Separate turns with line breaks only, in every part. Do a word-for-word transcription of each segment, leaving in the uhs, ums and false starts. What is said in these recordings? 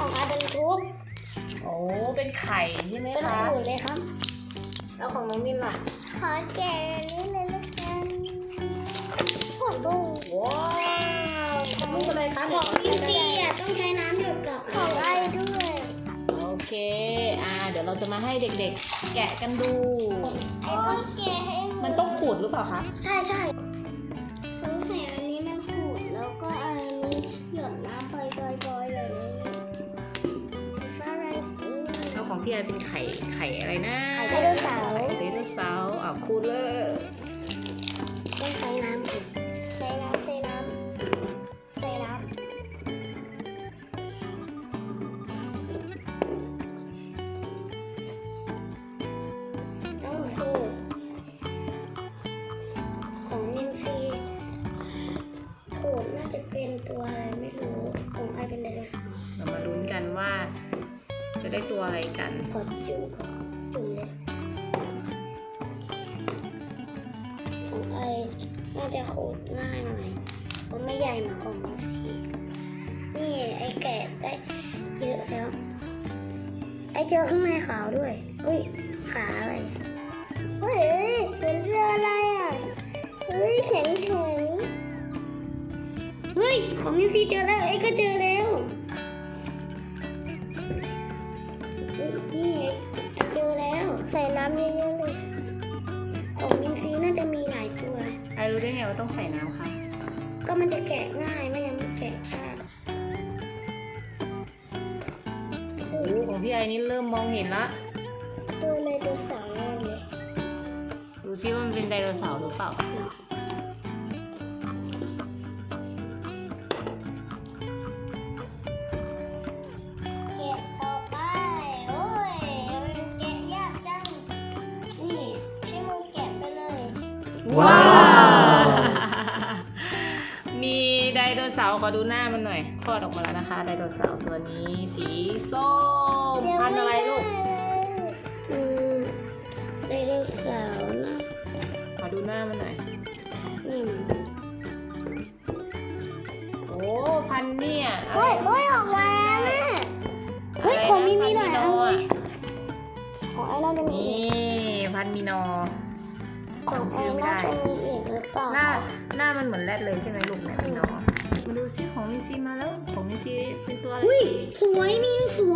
ของอาเป็นทุบ
โอ้เป็นไข่ใช่ไหม
เป็น
คะ
ขูดเลยครับ
แล้วของน้องมินล่ะ
ขอแกะนี่เลยละกันขวดบุ้ง
ว้าวของลูกอะไรคะ
ของพี่ซีอ่ะต้องใช้น้ำหยดกับของไอ้ด้วย
โอเคอ่าเดี๋ยวเราจะมาให้เด็กๆ แกะกันดู
ไอ้ต้องแกะให้
มันต้องขูดหรือเปล่าคะ
ใช่ใช่สงสัยอันนี้มันขูดแล้วก็อันนี้หยดน้ำปล่อยๆๆเลยสีฟ้าอะไรสี
แล้วของพี่ไอเป็นไข่ไข่อะไรนะ
ไข่ไดโนเสาร์
ไข่ไดโนเสาร์อ่ะขูดเลย
ต้องใช้น้ำอีกใช้น้ำใช้น้ำใช้น้ำต้องขูดของนินซีขูดน่าจะเป็นตัวอะไรไม่รู้ของไอเป็นไดโนเสาร์
เรามาลุ้นกันว่า จะได้ตัวอะไรกัน
ขอจุ่มก่อนจุ่มเลยของไอน่าจะขูดง่ายหน่อยเพราะไม่ใหญ่เหมือนของนินซีนี่ไอแกะได้เยอะแล้วไอเจอข้างในขาวด้วยอุ้ยขาอะไรเฮ้ยเหมือนเจออะไรอ่ะเฮ้ยแข็งแข็งเฮ้ยของนินซีเจอแล้วไอก็เจอแล้วเฮ้ยนี่ไอเจอแล้วใส่น้ำเยอะๆเลยของนินซีน่าจะมีหลายตัว
ไอรู้ได้ไงว่าต้องใส่น้ำคะ
ก็มันจะแกะง่ายไม่งั้นมันแกะยาก
โอ้โหของพี่ไอนี่เริ่มมองเห็นละ
ตัวเลยตัวสาวเลย
ดูซิว่ามันเป็นไดโนเสาร์หรือเปล่า
แกะต่อไปโอ้ยมันแกะยากจังนี่ใช้มือแกะไปเลย
ว้าว มีไดโนเสาร์ขอดูหน้ามันหน่อยคลอดออกมาแล้วนะคะไดโนเสาร์ตัวนี้สีส้มพันธุ์อะไรลูก
อืมไดโนเสาร์นะ
ขอดูหน้ามันหน่อย
อืม
โอ้พันธุ์เนี่ย
เฮ้ยเฮ้ยออกมาแม่เฮ้ยของมีมีหลายอันเลยของไอ้น่าจะมี
นี่
อีก
พันธุ์มีนอ
ของไอ้น่าจะมีอีกหรือเปล่า
หน้าหน้ามันเหมือนแรดเลยใช่ไหมลูกเนี่ยมีนอมาดูซิของมิซีมาแล้วของมิซีเป็นตัวอะไร
อุ้ยสวยมินสวย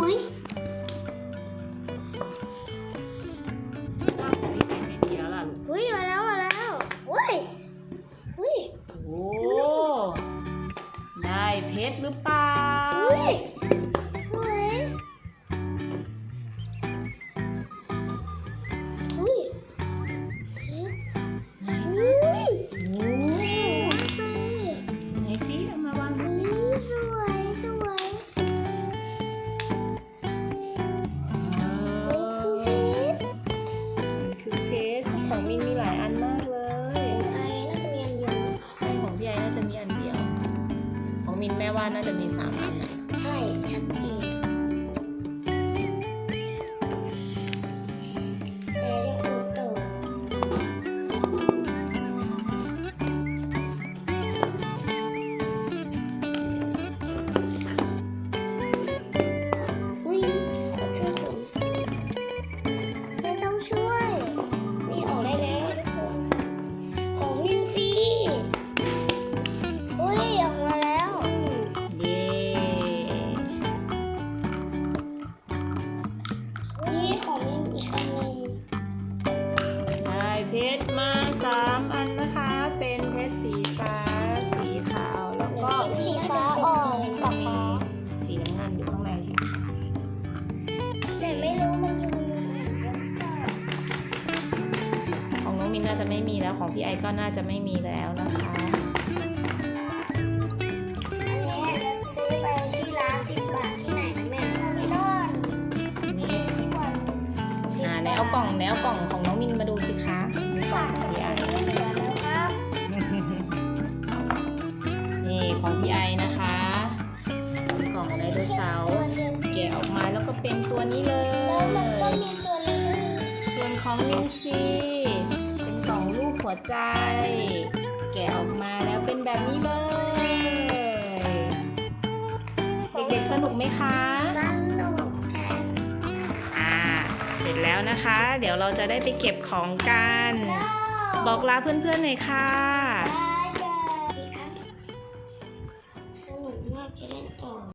ว่าของพี่ไอไม่มีแล้วล่ะลูก
อุ้ยมาแล้วมาแล้วอุ้ยอุ้ย
โอ้ได้เพชรหรือเปล่า
อุ้ยสวยอุ้ยอุ้ย
โอ้ไหนพี่เอามาวางดู
อุ้ยสวยสวย
อ่า
มันคือเพชร
มันคือเพชรของมินมีหลายอันมากเลย
ไอ้น่าจะมีอันเดียวนะ
ใช่ของพี่ไอน่าจะมีอันเดียว ของมินแม่ว่าน่าจะมีสามอันนะ
ใช่ชัดเจนแต่จะคูณต่ออุ้ยขอช่วยคุณไม่ต้องช่วย นี่ออกได้แล้วทุกคน ของนินซีอุ้ยออกมาแล้วอืม
เย้
นี่ของนินอีกอันหนึ่ง
ได้เพชรมาสามอันนะคะ เป็นเพชรสีฟ้า สีขาว แล้วก็
สีฟ้าอ่อนกับฟ้า
สีน้ำเงินอยู่ข้างในใช่ไหม
แต่ไม่รู้มันจะมีอะไรหรือเปล่า
ของน้องมินน่าจะไม่มีแล้ว ของพี่ไอก็น่าจะไม่มีแล้วนะคะ
อันนี้จะซื้อไปที่ร้านสิบบาทที่ไหนนะแม่ไม่รอด
นี่
ที่วันสิบ
อ่า
บาท
ไหนเอากล่องไหนเอากล่องของน้องมินมาดูสิคะมีกล่องของพี่ไอ
ไม่เหลือแล้วครับ
นี่ของพี่ไอนะคะ กล่องไดโนเสาร์แกะออกมาแล้วก็เป็นตัวนี้เลย
แล้วมันก็มีตัวนี้
ส่วนของมินซีเป็นกล่องรูปหัวใจ แกะออกมาแล้วเป็นแบบนี้เลย เด็กๆสนุกไหมคะ
ได้
แล้วนะคะ เดี๋ยวเราจะได้ไปเก็บของกัน
No
บอกลาเพื่อนๆหน่อยค่ะ
บายบายครับสนุกมากจะเล่นต่อ